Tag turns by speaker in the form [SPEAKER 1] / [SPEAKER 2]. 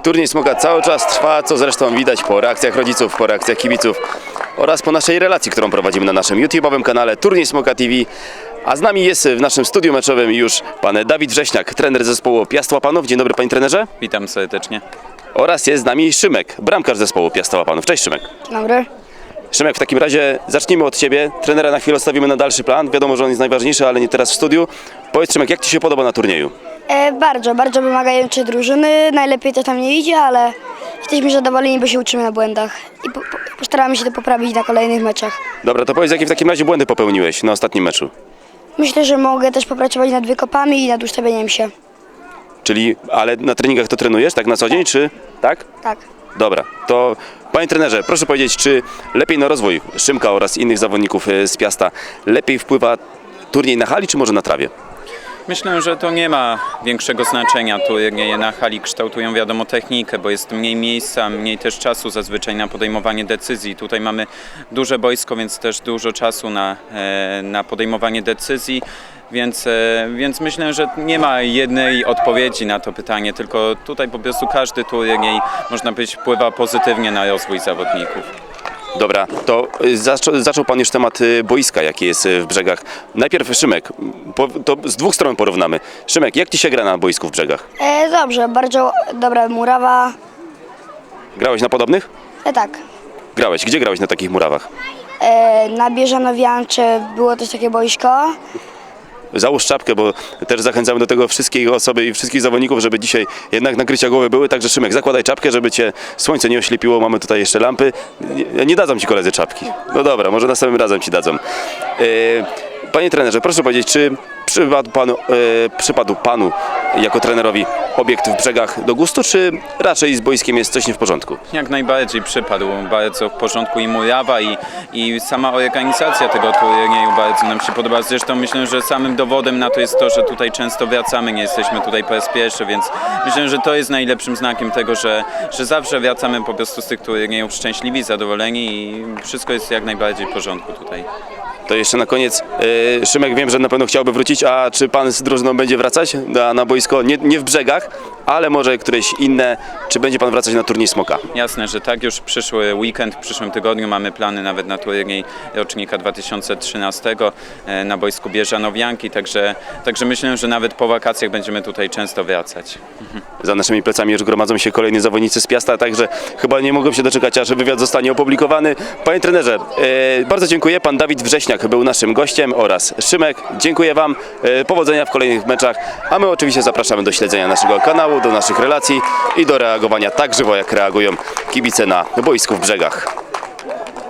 [SPEAKER 1] Turniej Smoka cały czas trwa, co zresztą widać po reakcjach rodziców, po reakcjach kibiców oraz po naszej relacji, którą prowadzimy na naszym YouTube'owym kanale Turniej Smoka TV. A z nami jest w naszym studiu meczowym już pan Dawid Wrześniak, trener zespołu Piast Łapanów. Dzień dobry, panie trenerze.
[SPEAKER 2] Witam serdecznie.
[SPEAKER 1] Oraz jest z nami Szymek, bramkarz zespołu Piasta Łapanów. Cześć, Szymek.
[SPEAKER 3] Dzień dobry.
[SPEAKER 1] Szymek, w takim razie zacznijmy od ciebie. Trenera na chwilę odstawimy na dalszy plan. Wiadomo, że on jest najważniejszy, ale nie teraz w studiu. Powiedz, Szymek, jak ci się podoba na turnieju?
[SPEAKER 3] Bardzo wymagające drużyny. Najlepiej to tam nie idzie, ale jesteśmy zadowoleni, bo się uczymy na błędach i postaramy się to poprawić na kolejnych meczach.
[SPEAKER 1] Dobra, to powiedz, jakie w takim razie błędy popełniłeś na ostatnim meczu?
[SPEAKER 3] Myślę, że mogę też popracować nad wykopami i nad ustawieniem się.
[SPEAKER 1] Czyli, ale na treningach to trenujesz, tak na co dzień, czy tak?
[SPEAKER 3] Tak.
[SPEAKER 1] Dobra, to panie trenerze, proszę powiedzieć, czy lepiej na rozwój Szymka oraz innych zawodników z Piasta lepiej wpływa turniej na hali, czy może na trawie?
[SPEAKER 2] Myślę, że to nie ma większego znaczenia. Turnieje na hali kształtują, wiadomo, technikę, bo jest mniej miejsca, mniej też czasu zazwyczaj na podejmowanie decyzji. Tutaj mamy duże boisko, więc też dużo czasu na podejmowanie decyzji. Więc myślę, że nie ma jednej odpowiedzi na to pytanie, tylko tutaj po prostu każdy turniej, można powiedzieć, wpływa pozytywnie na rozwój zawodników.
[SPEAKER 1] Dobra, to zaczął pan już temat boiska, jaki jest w Brzegach. Najpierw Szymek, to z dwóch stron porównamy. Szymek, jak ci się gra na boisku w Brzegach?
[SPEAKER 3] Dobrze, bardzo dobra murawa.
[SPEAKER 1] Grałeś na podobnych?
[SPEAKER 3] Tak.
[SPEAKER 1] Grałeś. Gdzie grałeś na takich murawach?
[SPEAKER 3] Na Bieżanowiancze było też takie boisko.
[SPEAKER 1] Załóż czapkę, bo też zachęcamy do tego wszystkich osoby i wszystkich zawodników, żeby dzisiaj jednak nakrycia głowy były. Także Szymek, zakładaj czapkę, żeby cię słońce nie oślepiło. Mamy tutaj jeszcze lampy. Nie dadzą ci koledzy czapki. No dobra, może następnym razem ci dadzą. Panie trenerze, proszę powiedzieć, czy przypadł panu jako trenerowi obiekt w Brzegach do gustu, czy raczej z boiskiem jest coś nie w porządku?
[SPEAKER 2] Jak najbardziej przypadł, bardzo w porządku i murawa i sama organizacja tego turnieju bardzo nam się podoba. Zresztą myślę, że samym dowodem na to jest to, że tutaj często wracamy, nie jesteśmy tutaj po raz pierwszy, więc myślę, że to jest najlepszym znakiem tego, że zawsze wracamy po prostu z tych turniejów szczęśliwi, zadowoleni i wszystko jest jak najbardziej w porządku tutaj.
[SPEAKER 1] To jeszcze na koniec, Szymek, wiem, że na pewno chciałby wrócić, a czy pan z drużyną będzie wracać na boisko, nie w Brzegach, ale może któreś inne, czy będzie pan wracać na turniej Smoka?
[SPEAKER 2] Jasne, że tak, już przyszły weekend, w przyszłym tygodniu mamy plany nawet na turniej rocznika 2013 na boisku Bieżanowianki, także myślę, że nawet po wakacjach będziemy tutaj często wracać.
[SPEAKER 1] Za naszymi plecami już gromadzą się kolejni zawodnicy z Piasta, także chyba nie mogą się doczekać, aż wywiad zostanie opublikowany. Panie trenerze, bardzo dziękuję. Pan Dawid Wrześniak był naszym gościem oraz Szymek. Dziękuję wam. Powodzenia w kolejnych meczach, a my oczywiście zapraszamy do śledzenia naszego kanału, do naszych relacji i do reagowania tak żywo, jak reagują kibice na boisku w Brzegach.